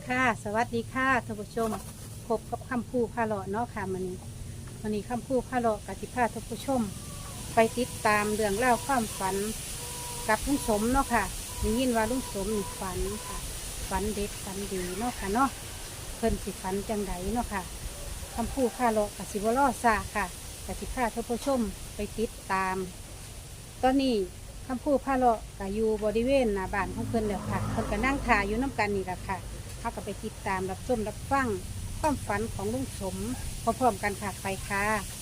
ค่ะสวัสดีค่ะท่านผู้ชมพบกับคำพูพาเลาะเนาะค่ะวันนี้คำพูพาเลาะกับที่พาท่านผู้ชมไปติดตามเรื่องเล่าวความฝันกับลุงสมเนาะค่ะได้ยินว่าลุงสมมีฝันค่ะฝันเด็ดฝันดีเนาะค่ะเนาะเพิ่นสิฝันจังไดเนาะค่ะคำพูพาเลาะกับสิบล้อซาค่ะกับที่พาท่านผู้ชมไปติดตามตอนนี้คำพูพาเลาะกับอยู่บริเวณหน้าบ้านของเพิ่นเด้อค่ะเพิ่นก็นั่งถ่ายอยู่น้ำกันนี่แหละค่ะเขาก็ไปติดตามรับชมรับฟังความฝันของลุงสมพร้อมๆกันค่ะไปค่ะ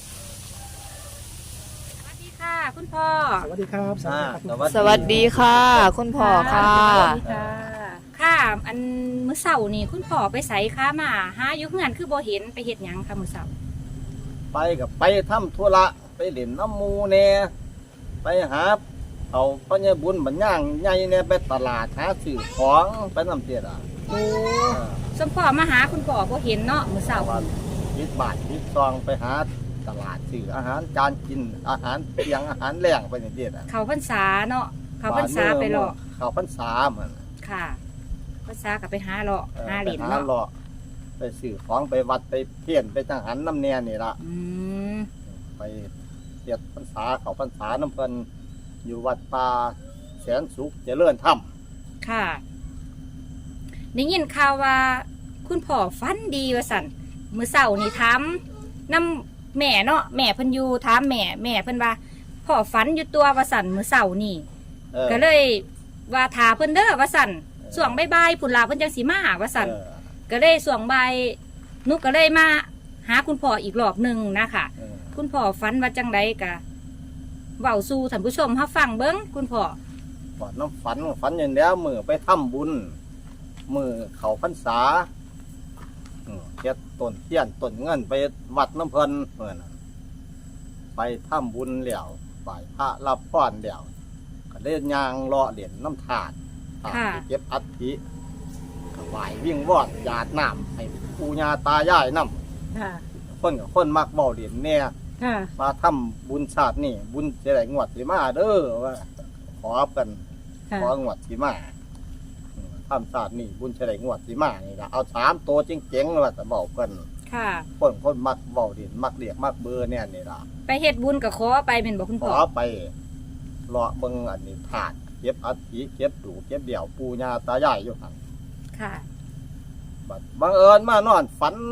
สวัสดีค่ะคุณพ่อสวัสดีครับสวัสดีค่ะ คุณพ่อค่ะสวัสดีค่ะค่ะอันมื้อเสาร์นี่คุณพ่อไปไสค่ะมาหาอยู่เฮือนคือบ่เห็นไปเฮ็ดหยังค่ะมื้อเสาร์ไปกับไปทำธุระไปเล่นน้ำมูแน่ไปหาเอาพ่อใหญ่บุญบัญญังใหญ่เนี่ยไปตลาดหาซื้อของไปน้ำเตี้ยอ่ะโอ้สมพ่อมาหาคุณพ่อบ่เห็นเนาะมื้อเสาร์ว่ายิบบาทยิบซองไปหาตลาดซื้ออาหารการกินอาหารเปียงอาหารแรงไปนี่เตี้ยอ่ะเขาพรรษาเนาะเขาพรรษาไปเลาะเขาพรรษาเหมือนค่ะพรรษาก็ไปหาเลาะหาเหรียญไปหาเนาะเลาะไปซื้อของไปวัดไปเพี้ยนไปจังหันน้ำแน่นี่ละอืมไปเทียบพรรษาเขาพรรษาน้ำเพิ่นอยู่วัดป่าแสนสุขเจริญธรรมค่ะได้ยินข่าวว่าคุณพ่อฝันดีว่าสั่นมื้อเสาร์นี่ถามน้ำแม่เนาะแม่เพิ่นอยู่ถามแม่เพิ่นว่าพ่อฝันอยู่ตัวว่าสั่นมื้อเสาร์นี่ ก็เลยว่าถาเพิ่นเด้อว่าสั่นส่วงบ่ายๆพุ่นลาเพิ่นจังสิมาว่าสั่นก็เลยส่วงบ่ายนุกก็เลยมาหาคุณพ่ออีกรอบหนึงนะคะคุณพ่อฝันว่าจังไดกะเว้าสู่ท่านผู้ชมเฮาฟังเบิ่งคุณพ่อก่อนน้ำฝันอย่างแล้วมือไปทำบุญมือเขาพรรษาเฮ็ดต้นเทียนต้นเงินไปวัดน้ำเพิ่นเหมือนไปทำบุญแล้วไหว้พระรับพรแล้วก็เล่นยางเลาะเหรียญน้ำถาดไปเก็บอัฐิก็ไหว้วิ่งวอดหยาดน้ำให้ปู่ย่าตายายน้ำค่ะคนกับคนมักเบาเหรียญเนี่ยค่ะมาทำบุญชาตินี่บุญจะได้งวดสิมาเด้อว่าขอกันของวดสิมาทำชาตินี่บุญจะได้งวดสิมานี่ละเอา3 ตัวเจ๋งๆว่าจะเบากันค่ะคนมักเบาเหรียญมักเรียกมักเบอร์เนี่ยนี่ละไปเฮ็ดบุญกับขอไปเป็นบอกคุณขพ่ออไปเลาะเบิ่งอันนี้ถาดเก็บอัฐิเก็บดูเก็บเดี่ยวปู่ย่าตายายอยู่หั่นค่ะบังเอิญมานอนฝัน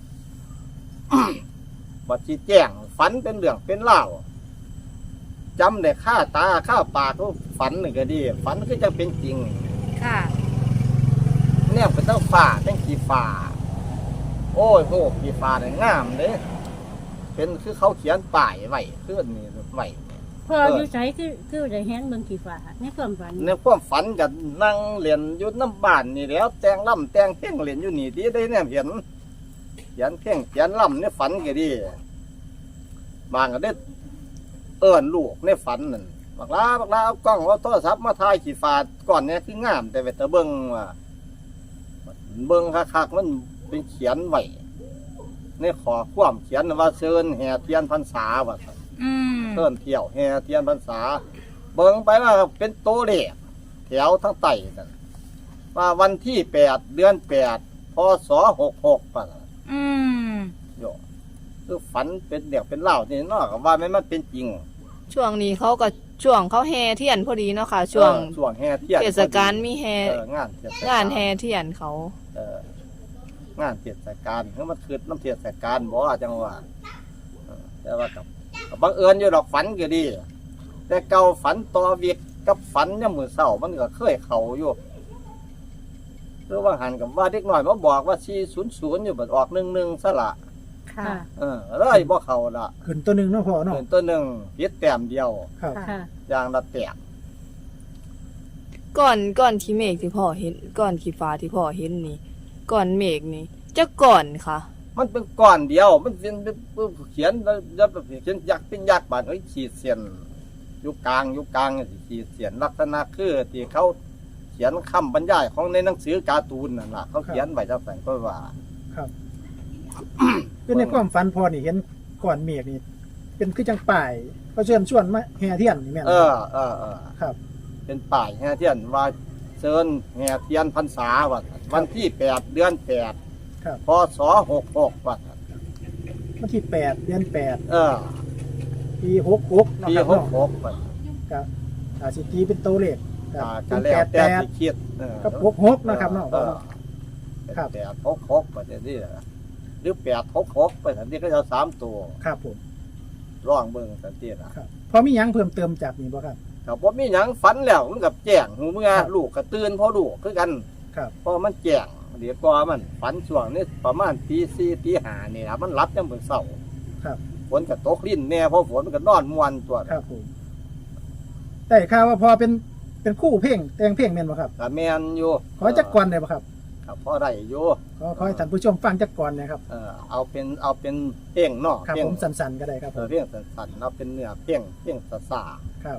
บัดชี้แจ้งฝันเป็นเรื่องเป็นเล่าวจำได้ค่าตาค่าปากทุกฝันนี่ก็ดี ฝันก็จะเป็นจริงค่ะเนี่ยเป็นตั้งฝ่าตั้งกี่ฝ่าโอ้ยโหกี่ฝ่าเนี่ยงามเลยเป็นคือเขาเขียนป้ายไว้คืออันนี้ไว้พ่ออยู่ใช้คือได้เห็นเบิ่งกี่ฝาในความฝันในความฝันกับนั่งเรียนอยู่น้ำบ้านนี่แล้วแต่งล่ำแต่งเพ่งเรียนอยู่นี่ดีได้เนี่ยเห็นเขียนเพ่งเขียนล่ำในฝันก็ดีบางก็ได้เอิ้นลูกในฝันนั่นบักลาเอากล้องเอาโทรศัพท์มาถ่ายขีฟาดก่อนเนี่ยคืองามแต่เวทเบิ้งว่าเบิ้งคักๆมันเป็นเขียนไว้ในขอความเขียนว่าเชิญแห่เทียนพรรษาว่าซั่นอืมเชิญเที่ยวแห่เทียนพรรษา เบิ้งไปว่าเป็นโตเลขแถวทั้งไต่นั่นว่าวันที่8 เดือน 8 พศ 66ป่ะอืมโยคือฝันเป็นเดี่ยวเป็นเล่านี่เนาะก็ว่ามันเป็นจริงช่วงนี้เขาก็ช่วงเขาแห่เทียนพอดีเนาะค่ะ ช่วงช่วงแห่เทียนเทศกาลมีแห่งานเทศกาลงานแห่เทียนเขางานเทศกาลคือมันคือน้ำเทศกาลบ่จังว่าแต่ว่ากับบังเอิญอยู่ดอกฝันก็ดี แต่เก่าฝันต่อเวียกกับฝันยามมื้อเช้ามันก็เคยเข้าอยู่คือว่าหันกับว่าเด็กน้อยมาบอกว่า400อยู่บัดออก11ซะละค่ะเลยบ่เข้าละขึ้นตัวหนึ่งเนาะพ่อเนาะเป็นตัวหนึงผิดแต้มเดียวครับค่ะอย่างละแต้มก่อนที่เมฆที่พ่อเห็นก่อนที่ฟ้าที่พ่อเห็นนี่ก่อนเมฆนี่จะก่อนค่ะมันเป็นก้อนเดียว มันเป็นเขียนแล้วเขียนยักษ์เป็นยักษ์บาดขีดเสียนอยู่กลางสิขีดเสียนลักษณะคือที่เขาเขียนคำบรรยายของในหนังสือการ์ตูนนั่นล่ะเขาเขียนไว้จังซั่นก็ว่าครับคือในความฝันพ่อนี่เห็นก่อนเมฆนี่เป็นคือจังป่ายก็เชิญชวนมาแห่เทียนนี่แม่นเออครับเป็นป้ายแห่เทียนว่าเชิญแห่เทียนพรรษาวันที่8 เดือน 8 ครับพศ66 วันที่8 เดือน 8 ปี66เนาะปีครับเนาะ 66 ก็อาจสิตีเป็นตัวเลขก็ก็เป็นแล้วแต่ที่ 88 คิดกับ66นะครับเนาะ ครับ 866ไปแต่นี่หรือ866ไปแต่นี่ก็จะ3 ตัวครับผมร่องเบิ่งแต่นี่นะครับพอมีหยังเพิ่มเติมจากนี้บ่ครับครับบ่มีหยังฝันแล้วมันกับแจ้งหูเมื่อครับลูกก็ตื่นพอลูกคือกันครับเพราะมันแจ้งเดี๋ยวก็มันฝันช่วงนี้ประมาณตี 4 ตี 5นี่นะมันรับยังมื้อเช้าครับฝนก็ตกลิ้นแน่เพราะฝนมันก็นอนม่วนตัวครับผมแต่ข่าวว่าพอเป็นคู่เพลงแต่งเพลงแม่นบ่ครับก็แม่นอยู่ขอจักก่อนได้บ่ครับครับพอได้อยู่ขอให้ท่านผู้ชมฟังจักก่อนนะครับเอาเป็นเพลงเนาะครับเพลงผมสั้นๆก็ได้ครับผมเพลงสั้นๆเอาเป็นเนื้อเพลงซ่าครับ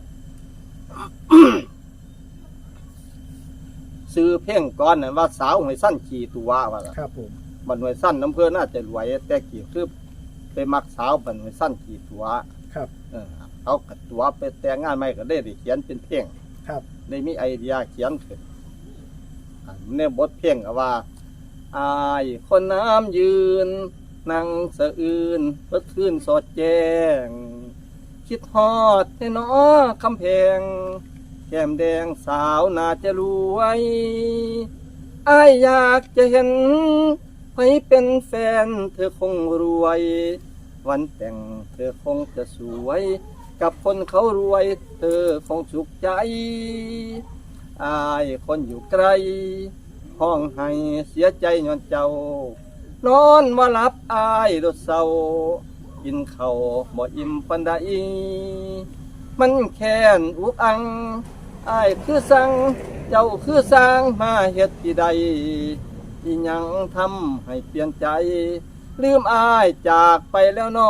ๆซื้อเพลงก่อนน่ะว่าสาวหวยสั้นขี่ตัวว่าล่ะครับผมบันหวยสั้นน้ำเพื่อน่าจะรวยแต่กี่คือไปมักสาวบันหวยสั้นขี่ตัวครับเอากัดตัวไปแต่งงานใหม่ก็ได้เขียนเป็นเพลงครับได้มีไอเดียเขียนขึ้นในบทเพลงก็ว่าอายคนน้ำยืนนั่งสะอื่นเพื่อคืนสอดแจ้งคิดฮอดให้น้อคำแพงแก้มแดงสาวน่าจะรวยอายอยากจะเห็นให้เป็นแฟนเธอคงรวย วันแต่งเธอคงจะสวย กับคนเขารวยเธอคงสุขใจอายคนอยู่ไกล ห้องให้เสียใจย้อนเจ้า นอนว่าหลับอายรถเศร้ากินข้าวบ่อิ่มปันใดมันแค้นอุกอังอายคือสั่งเจ้าคือสร้างมาเฮ็ดที่ใดอีหยังทำให้เปลี่ยนใจ ลืมอายจากไปแล้วหนอ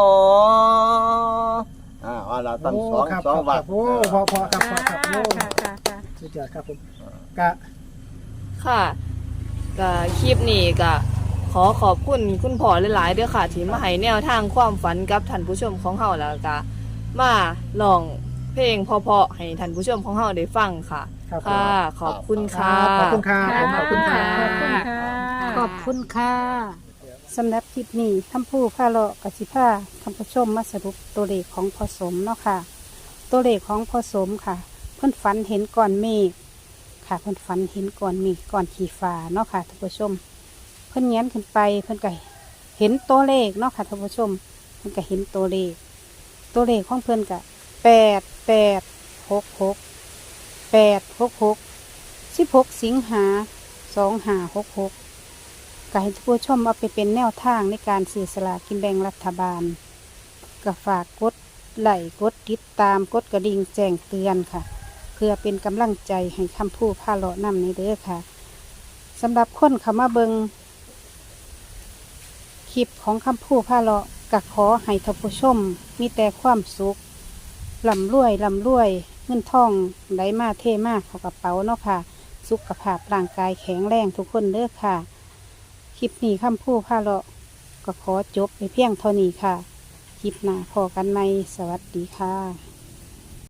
ว่าเราตั้งสองครับสองครับวัดโอ้พอครับพอครับโอ้ค่ะสุดยอดครับผมกะค่ะก็คลิปนี้ก็ขอขอบคุณคุณพ่อหลายๆเด้อค่ะที่มาให้แนวทางความฝันกับท่านผู้ชมของเฮาแล้วก็มาลองเพลงเพราะๆให้ท่านผู้ชมของเฮาได้ฟังค่ะครับผมค่ะ ขอบคุณค่ะขอบคุณครับผมขอบคุณครับขอบคุณค่ะขอบคุณค่ะสำหรับคลิปนี้ท่านผู้พาเลาะกสิพาท่านผู้ชมมาสรุปตัวเลขของพอสมเนาะค่ะ ตัวเลขของพอสมค่ะ เพิ่นฝันเห็นก้อนเมฆค่ะเพิ่นฝันเห็นก้อนเมฆก้อนขี้ฟ้าเนาะค่ะท่านผู้ชม เพิ่นแง้มขึ้นไปเพิ่นก็เห็นตัวเลขเนาะค่ะท่านผู้ชมเพิ่นก็เห็นตัวเลขของเพิ่นก็16 สิงหา2566ก็ให้ท่านผู้ชมเอาไปเป็นแนวทางในการซื้อสลากกินแบ่งรัฐบาลก็ฝากกดไลค์กดติดตามกดกระดิ่งแจ้งเตือนค่ะ เพื่อเป็นกำลังใจให้คำพูดพาเลาะนำในเด้อค่ะสำหรับคนเข้ามาเบิงคลิปของคำพูดพาเลาะก็ขอให้ท่านผู้ชมมีแต่ความสุขร่ำรวยเงินทองไหลมาเทมาเข้ากระเป๋าเนาะค่ะ สุขภาพร่างกายแข็งแรงทุกคนเด้อค่ะ คลิปนี้คำพูดพาเลาะก็ขอจบไปเพียงเท่านี้ค่ะ คลิปหน้าพอกันไหมสวัสดีค่ะ